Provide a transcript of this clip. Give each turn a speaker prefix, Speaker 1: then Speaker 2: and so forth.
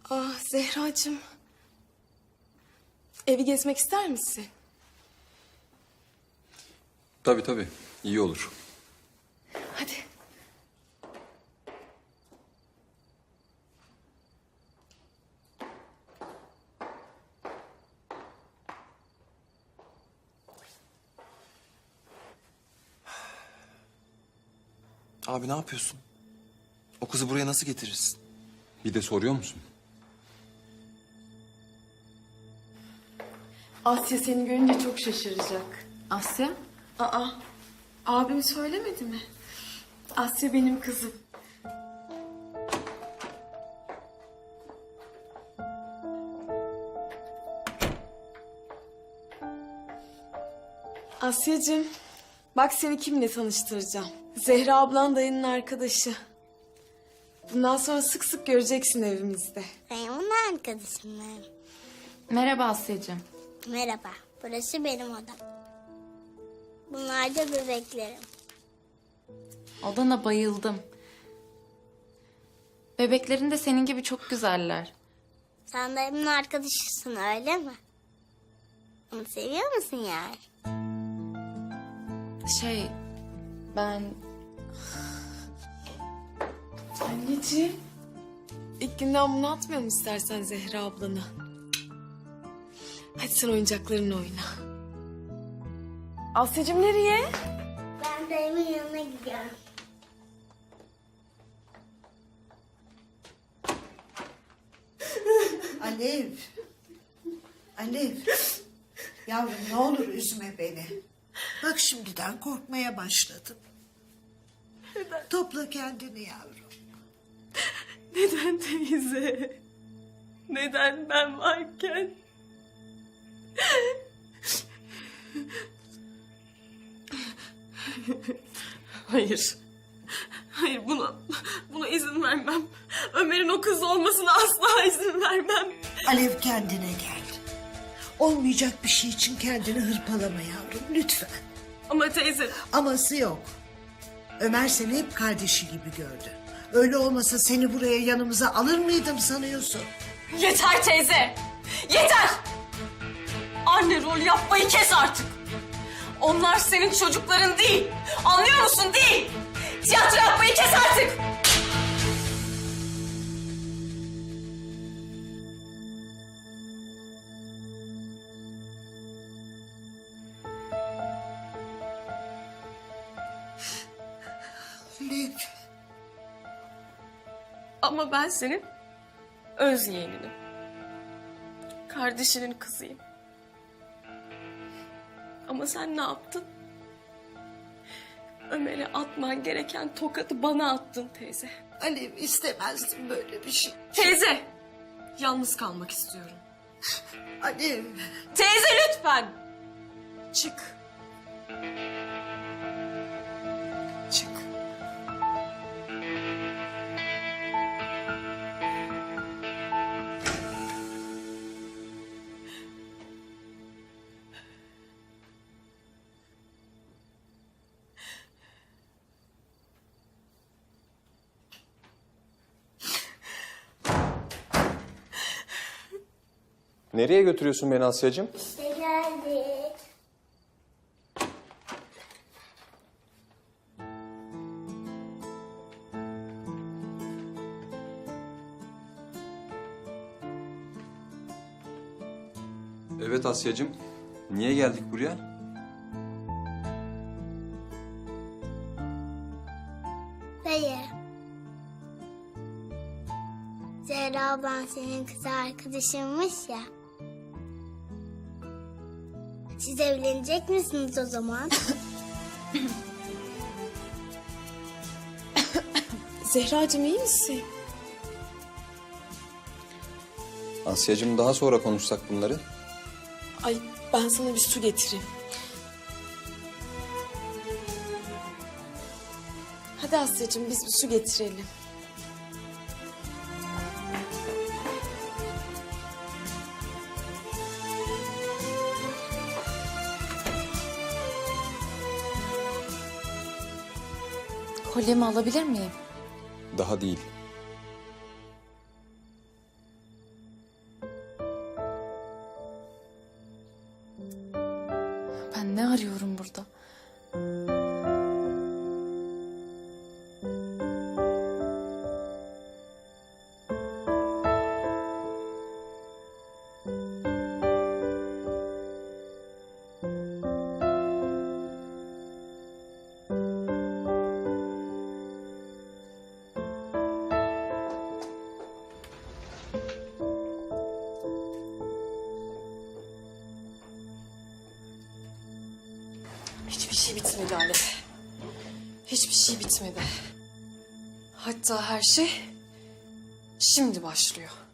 Speaker 1: Ah Zehracığım. Evi gezmek ister misin?
Speaker 2: Tabii. İyi olur.
Speaker 1: Hadi.
Speaker 3: Abi ne yapıyorsun? O kızı buraya nasıl getirirsin?
Speaker 2: Bir de soruyor musun?
Speaker 1: Asya seni görünce çok şaşıracak.
Speaker 4: Asya?
Speaker 1: Aa, abim söylemedi mi? Asya benim kızım. Asyacığım, bak seni kimle tanıştıracağım. Zehra ablan dayının arkadaşı. Bundan sonra sık sık göreceksin evimizde.
Speaker 5: Ben onun arkadaşım.
Speaker 4: Merhaba Asya'cığım.
Speaker 5: Merhaba, burası benim odam. Bunlar da bebeklerim.
Speaker 4: Odana bayıldım. Bebeklerin de senin gibi çok güzeller.
Speaker 5: Sen de emin arkadaşısın öyle mi? Onu seviyor musun yani?
Speaker 4: Ben...
Speaker 1: Anneciğim, ilk günden bunu atmayalım istersen Zehra ablana. Hadi sen oyuncaklarınla oyna. Asyacığım nereye?
Speaker 5: Ben dayımın yanına gidiyorum.
Speaker 6: Alev. Alev. Yavrum ne olur üzme beni. Bak şimdiden korkmaya başladım. Topla kendini yavrum.
Speaker 1: Neden teyze? Neden ben varken? Hayır. Hayır buna izin vermem. Ömer'in o kız olmasına asla izin vermem.
Speaker 6: Alev kendine gel. Olmayacak bir şey için kendini hırpalama yavrum lütfen.
Speaker 1: Ama teyze
Speaker 6: Aması yok. Ömer seni hep kardeşi gibi gördü. Öyle olmasa seni buraya yanımıza alır mıydım sanıyorsun?
Speaker 1: yeter teyze. Yeter. Anne rol yapmayı kes artık. Onlar senin çocukların değil. Anlıyor musun? Değil. Tiyatro yapmayı kes artık.
Speaker 6: Alev.
Speaker 1: Ama ben senin öz yeğeninim. Kardeşinin kızıyım. Ama sen ne yaptın? Ömer'e atman gereken tokadı bana attın teyze.
Speaker 6: Alev istemezdim böyle bir şey.
Speaker 1: Teyze! Yalnız kalmak istiyorum.
Speaker 6: Alev.
Speaker 1: Teyze lütfen! Çık. Çık.
Speaker 3: Nereye götürüyorsun beni Asya'cığım?
Speaker 5: İşte geldik.
Speaker 2: Evet Asya'cığım. Niye geldik buraya?
Speaker 5: Dayı. Zehra ablan senin kız arkadaşınmış ya. Siz evlenecek misiniz o zaman?
Speaker 1: Zehracığım iyi misin?
Speaker 2: Asya'cığım daha sonra konuşsak bunları.
Speaker 1: Ay ben sana bir su getireyim. Hadi Asya'cığım biz bir su getirelim.
Speaker 4: Kolyemi alabilir miyim?
Speaker 2: Daha değil.
Speaker 1: şey bitmedi Alev. Hiçbir şey bitmedi. Hatta her şey şimdi başlıyor.